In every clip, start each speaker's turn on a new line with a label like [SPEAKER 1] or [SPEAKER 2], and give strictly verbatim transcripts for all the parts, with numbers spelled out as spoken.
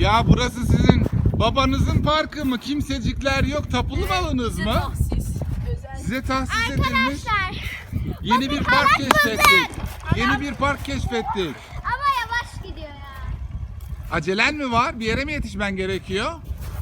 [SPEAKER 1] Ya burası sizin babanızın parkı mı? Kimsecikler yok. Tapulu malınız
[SPEAKER 2] Bize
[SPEAKER 1] mı?
[SPEAKER 2] tahsis. Özel.
[SPEAKER 1] Size tahsis edilmiş.
[SPEAKER 3] Arkadaşlar.
[SPEAKER 1] Yeni bir park keşfettik. Yeni bir park keşfettik.
[SPEAKER 3] Ama yavaş gidiyor ya.
[SPEAKER 1] Acelen mi var? Bir yere mi yetişmen gerekiyor?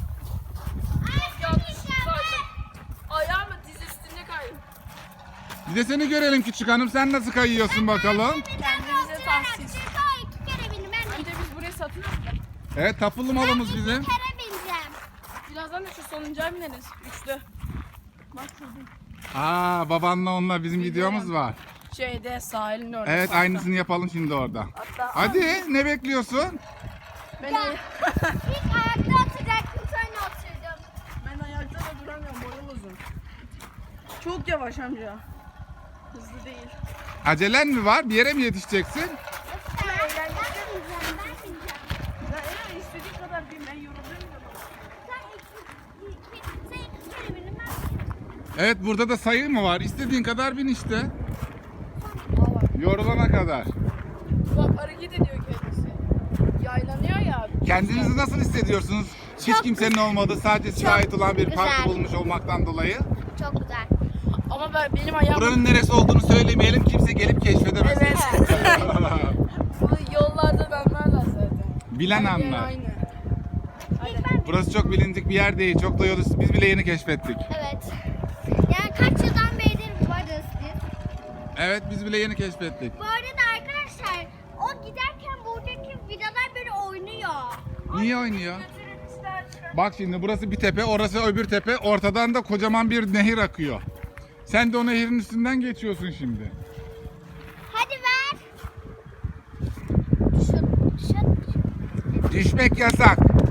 [SPEAKER 2] Ayağımı diz üstünde kaydım.
[SPEAKER 1] Bir de seni görelim küçük hanım. Sen nasıl kayıyorsun bakalım?
[SPEAKER 2] Kendimize tahsis.
[SPEAKER 3] İki kere bindim ben.
[SPEAKER 2] Önce biz burayı satın aldık.
[SPEAKER 1] Evet, tapulu malımız
[SPEAKER 3] İki
[SPEAKER 1] bizim.
[SPEAKER 3] kere bineceğim.
[SPEAKER 2] Birazdan da şu sonuncuya bineriz. Üçlü. Bak şurada.
[SPEAKER 1] Aa, babanla onunla bizim videomuz var.
[SPEAKER 2] Şeyde sahilin orada.
[SPEAKER 1] Evet,
[SPEAKER 2] parkta.
[SPEAKER 1] aynısını yapalım şimdi orada.
[SPEAKER 2] Hatta
[SPEAKER 1] Hadi, ne bekliyorsun?
[SPEAKER 2] ben,
[SPEAKER 3] İlk ayakta oturacaktım sonra oturdum.
[SPEAKER 2] ben ayakta da duramıyorum. Boyum uzun. Çok yavaş amca. Hızlı değil.
[SPEAKER 1] Acelen mi var? Bir yere mi yetişeceksin?
[SPEAKER 3] Ben bineceğim, ben bineceğim.
[SPEAKER 2] Ya eğer istediğin kadar bin. Ben yoruluyorum.
[SPEAKER 3] Sen iki, iki, sen iki kere bindin ben.
[SPEAKER 1] Evet, burada da sayı mı var? İstediğin kadar bin işte. Yorulana kadar.
[SPEAKER 2] Bak hareket ediyor kendisi. Yaylanıyor ya.
[SPEAKER 1] Kendinizi nasıl hissediyorsunuz? Hiç kimsenin olmadığı, sadece size ait olan bir parkı
[SPEAKER 3] güzel.
[SPEAKER 1] bulmuş olmaktan dolayı.
[SPEAKER 3] Çok güzel.
[SPEAKER 2] Ama ben, benim ayağım...
[SPEAKER 1] Buranın neresi olduğunu söylemeyelim, kimse gelip keşfedemez.
[SPEAKER 2] Evet. Bu yollardan anlarlar zaten.
[SPEAKER 1] Bilen
[SPEAKER 2] Her yer
[SPEAKER 1] anlar.
[SPEAKER 2] aynı.
[SPEAKER 3] İlk ben
[SPEAKER 1] Burası çok bilindik bir yer değil, çok da yolu biz bile yeni keşfettik.
[SPEAKER 3] Evet. Yani kaç yıldan beridir varız biz.
[SPEAKER 1] Evet, biz bile yeni keşfettik.
[SPEAKER 3] Bu arada arkadaşlar o giderken buradaki vidalar böyle oynuyor.
[SPEAKER 1] Niye oynuyor?
[SPEAKER 2] Götürün ister.
[SPEAKER 1] Bak şimdi burası bir tepe, orası öbür tepe, ortadan da kocaman bir nehir akıyor. Sen de o nehirin üstünden geçiyorsun şimdi.
[SPEAKER 3] Hadi ver. Düşün, düşün.
[SPEAKER 1] Düşmek yasak.